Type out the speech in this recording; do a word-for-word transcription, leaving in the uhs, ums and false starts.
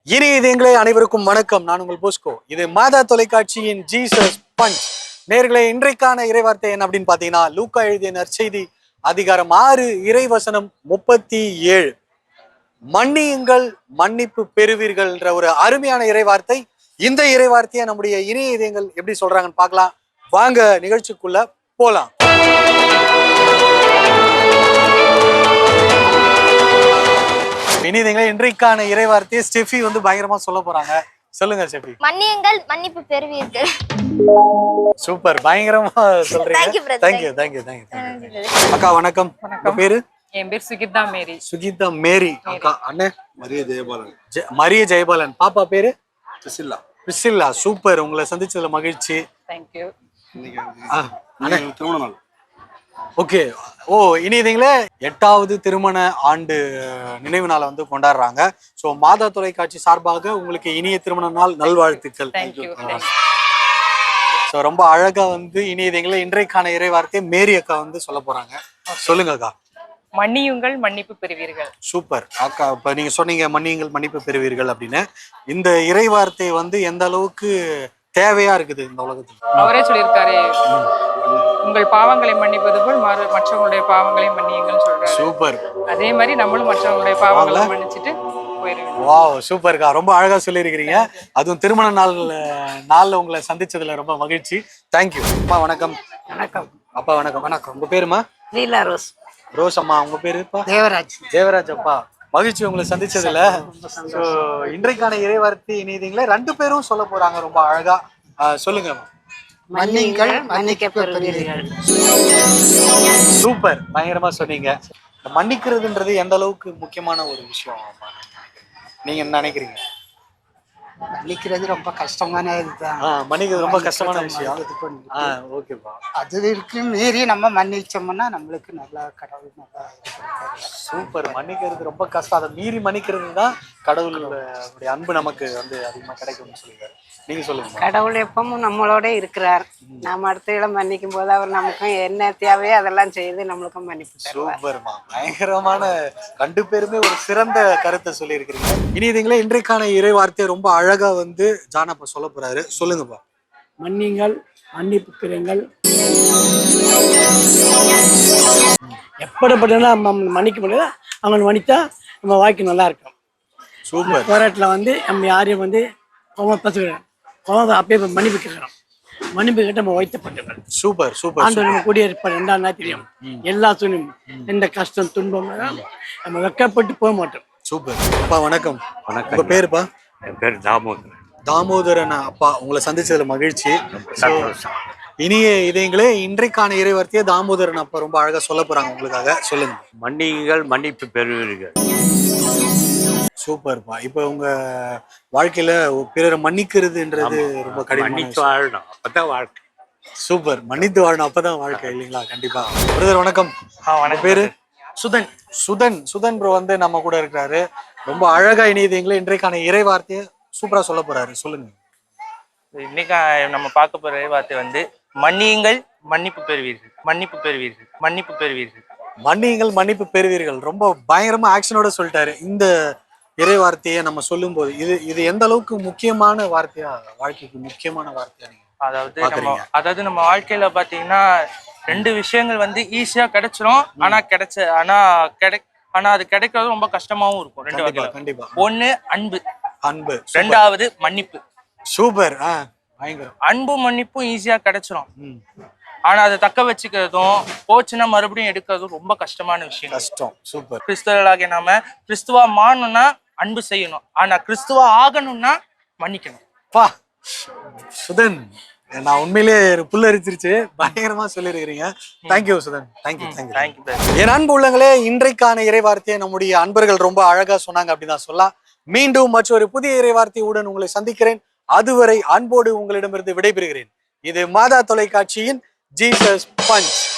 இனிய இதயங்களே அனைவருக்கும் வணக்கம். நான் உங்கள் போஸ்கோ. இது மாதா தொலைக்காட்சியின் ஜீசஸ் பஞ்ச். நேர்களே, இன்றைக்கான இறைவார்த்தை என்ன அப்படின்னு பாத்தீங்கன்னா, லூக்கா எழுதிய நற்செய்தி அதிகாரம் ஆறு இறைவசனம் முப்பத்தி ஏழு. மன்னியுங்கள் மன்னிப்பு பெறுவீர்கள் என்ற ஒரு அருமையான இறைவார்த்தை. இந்த இறைவார்த்தையை நம்முடைய இனிய இதயங்கள் எப்படி சொல்றாங்கன்னு பார்க்கலாம். வாங்க நிகழ்ச்சிக்குள்ள போலாம். இனிதீங்களே, இன்றைக்கான இறைவார்த்தையை ஸ்டெஃபி வந்து பயங்கரமா சொல்ல போறாங்க. சொல்லுங்க ஸ்டெஃபி. மன்னியுங்கள் மன்னிப்பு பெறுவீர்கள். சூப்பர், பயங்கரமா சொல்றீங்க. Thank you thank you thank you. அக்கா வணக்கம். உங்க பேரு? என் பேர் சுகிதா மேரி. சுகிதா மேரி. அக்கா அண்ணே மரிய ஜெயபாலன். மரிய ஜெயபாலன். பாப்பா பேரு? பிரிசில்லா. பிரிசில்லா. சூப்பர், உங்களை சந்திச்சதுல மகிழ்ச்சி. Thank you. இன்னைக்கு திருமண நாள். ஓகே. ஓ, இனிதீங்களே, எட்டாவது திருமண ஆண்டு நினைவு நாளை வந்து கொண்டாடுறாங்க. ஸோ மாதா தொலைக்காட்சி சார்பாக உங்களுக்கு இனிய திருமண நாள் நல்வாழ்த்துக்கள். ஸோ ரொம்ப அழகா வந்து இனியதீங்களே இன்றைக்கான இறைவார்த்தையை மேரி அக்கா வந்து சொல்ல போறாங்க. சொல்லுங்க அக்கா. மன்னியுங்கள் மன்னிப்பு பெறுவீர்கள். சூப்பர் அக்கா. இப்ப நீங்க சொன்னீங்க மன்னியுங்கள் மன்னிப்பு பெறுவீர்கள் அப்படின்னு. இந்த இறைவார்த்தை வந்து எந்த அளவுக்கு தேவையா இருக்குது இந்த உலகத்துக்கு? அவரே சொல்லியிருக்காரு, உங்கள் பாவங்களை மன்னிப்பது போல் மற்றவங்களுடைய பாவங்களை மன்னியுங்கள் சொல்றாரு. சூப்பர். அதே மாதிரி நம்மளும் மற்றவங்களுடைய பாவங்களை மன்னிச்சுட்டு போயிருவோம். வாவ், சூப்பர்க்கா. ரொம்ப அழகா சொல்லியிருக்கிறீங்க. அதுவும் திருமண நாள் நாள்ல உங்களை சந்திச்சதுல ரொம்ப மகிழ்ச்சி. தேங்க்யூ. அப்பா வணக்கம். வணக்கம். அப்பா வணக்கம். வணக்கம். உங்க பேருமா? லீலா ரோஸ். ரோஸ் அம்மா. உங்க பேருப்பா? தேவராஜ். தேவராஜ் அப்பா. மகிழ்ச்சி உங்களை சந்திச்சதுல. ஸோ இன்றைக்கான இறைவார்த்தை இனிதீங்களே ரெண்டு பேரும் சொல்ல போறாங்க ரொம்ப அழகா. சொல்லுங்க. மன்னியுங்கள் மன்னிக்கப்படுவீர்கள். சூப்பர், பயங்கரமா சொன்னீங்க. மன்னிக்கிறதுன்றது எந்த அளவுக்கு முக்கியமான ஒரு விஷயம் நீங்க என்ன நினைக்கிறீங்க? மன்னிக்கிறது ரொம்ப கஷ்டமான இதுதான். மன்னிக்கிறது ரொம்ப கஷ்டமான விஷயம். ஓகேப்பா. அது இருக்கு மீறி நம்ம மன்னிச்சோம்னா நம்மளுக்கு நல்லா கடவுள் நல்லா. சூப்பர். மன்னிக்கிறது ரொம்ப கஷ்டம். அதை மீறி மன்னிக்கிறது தான் கடவுளுடைய அன்பு நமக்கு வந்து அதிகமா கிடைக்கும்னு சொல்லுவாரு. நீங்க சொல்லுங்க. கடவுள் எப்பவும் நம்மளோட இருக்கிறார். நாம அடுத்த மன்னிக்கும் போது அவர் நமக்கும் என்ன தேவையோ அதெல்லாம் செய்து நம்மளுக்கும் மன்னிப்பு. சூப்பர்மா, பயங்கரமான ரெண்டு பேருமே ஒரு சிறந்த கருத்தை சொல்லி இருக்கிறீங்க. இனிதீங்களே இன்றைக்கான இறை வார்த்தையை ரொம்ப அழகா வந்து ஜானப்பா சொல்ல போறாரு. சொல்லுங்கப்பா. மன்னிங்கள் மன்னிப்பு பெறுங்கள். எப்படிப்பட்ட மன்னிக்க முடியாது, அவங்க மன்னித்தா நம்ம வாழ்க்கை நல்லா இருக்கும். சூப்பர். போராட்டில் வந்து நம்ம யாரையும் வந்து கோவம் பசுக்கிறோம், கோவம் அப்படியே மன்னிப்பு கேட்கிறோம். மன்னிப்பு கேட்டு நம்ம வைத்தப்பட்டவர்கள். Super super. ஆண்டு நம்ம குடியிருப்பார் ரெண்டாம் நாள் தெரியும். எல்லா சூழ்நிலையும் எந்த கஷ்டம் துன்பம் நம்ம வெக்கப்பட்டு போக மாட்டோம். சூப்பர். அப்பா வணக்கம். வணக்கம். உங்க பேருப்பா? என் பேர் தாமோதரன். தாமோதரன் அப்பா, உங்களை சந்திச்சதுல மகிழ்ச்சி. இனிய இதயங்களே, இன்றைக்கான இறைவார்த்தையை தாமோதரன் அப்பா ரொம்ப அழகா சொல்ல போறாங்க உங்களுக்காக. சொல்லுங்க. மன்னியுங்கள் மன்னிப்பு பெறுவீர்கள். சூப்பர்ப்பா. இப்ப உங்க வாழ்க்கையில பிறரை மன்னிக்கிறதுன்றது ரொம்ப கடினம். மன்னித்து வாழணும், அப்பதான் வாழ்க்கை. சூப்பர். மன்னித்து வாழணும், அப்பதான் வாழ்க்கை இல்லைங்களா? கண்டிப்பா. பிரதர் வணக்கம். வணக்கம். பேரு? சுதன். சுதன். சுதன் ப்ரோ வந்து நம்ம கூட இருக்கிறாரு. ரொம்ப அழகா இனியதீங்களே இன்றைக்கான இறை வார்த்தையை சூப்பரா சொல்ல போறாரு. சொல்லுங்க. இன்னைக்கு நம்ம பார்க்க போற இறைவார்த்தை வந்து மன்னியுங்கள் மன்னிப்பு பெறுவீர்கள். மன்னிப்பு பெறுவீர்கள். மன்னிப்பு பெறுவீர்கள். மன்னியுங்கள் மன்னிப்பு பெறுவீர்கள். ரொம்ப பயங்கரமா ஆக்ஷனோட சொல்லிட்டாரு. இந்த இறை வார்த்தையை நம்ம சொல்லும் போது இது இது எந்த அளவுக்கு முக்கியமான வார்த்தையா, வாழ்க்கைக்கு முக்கியமான வார்த்தையா நீங்க அதாவது நம்ம அதாவது நம்ம வாழ்க்கையில பாத்தீங்கன்னா ரெண்டு விஷயங்கள் வந்து ஈஸியா கிடைச்சிரும். ஆனா கிடைச்ச ஆனா கிடை ஆனா அது கிடைக்கிறது ரொம்ப கஷ்டமாவும் இருக்கும். ரெண்டு வகையில. கண்டிப்பா. ஒண்ணு அன்பு. அன்பு. ரெண்டாவது மன்னிப்பு. சூப்பர். ஆஹ் பயங்கரம். அன்பு மன்னிப்பும் ஈஸியா கிடைச்சிரும். ஆனா அதை தக்க வச்சுக்கிறதும் போச்சுன்னா மறுபடியும் எடுக்கிறதும் ரொம்ப கஷ்டமான விஷயம். கஷ்டம். சூப்பர். கிறிஸ்தவர்களாகிய நாம கிறிஸ்துவா மாறணும்னா அன்பு செய்யணும். ஆனா கிறிஸ்துவா ஆகணும்னா மன்னிக்கணும். பா சுதன், நான் உண்மையிலே புல்லரிச்சிருச்சு. பயங்கரமா சொல்லிருக்கிறீங்க. Thank you Sudhan. Thank you thank you thank you. என் அன்பு உள்ளங்களே, இன்றைக்கான இறைவார்த்தையை நம்முடைய அன்பர்கள் ரொம்ப அழகா சொன்னாங்க அப்படின்னு தான் சொல்லலாம். மீண்டும் மற்றொரு புதிய இறைவார்த்தையுடன் உங்களை சந்திக்கிறேன். அதுவரை அன்போடு உங்களிடமிருந்து விடைபெறுகிறேன். இது மாதா தொலைக்காட்சியின் ஜீசஸ் பஞ்ச்.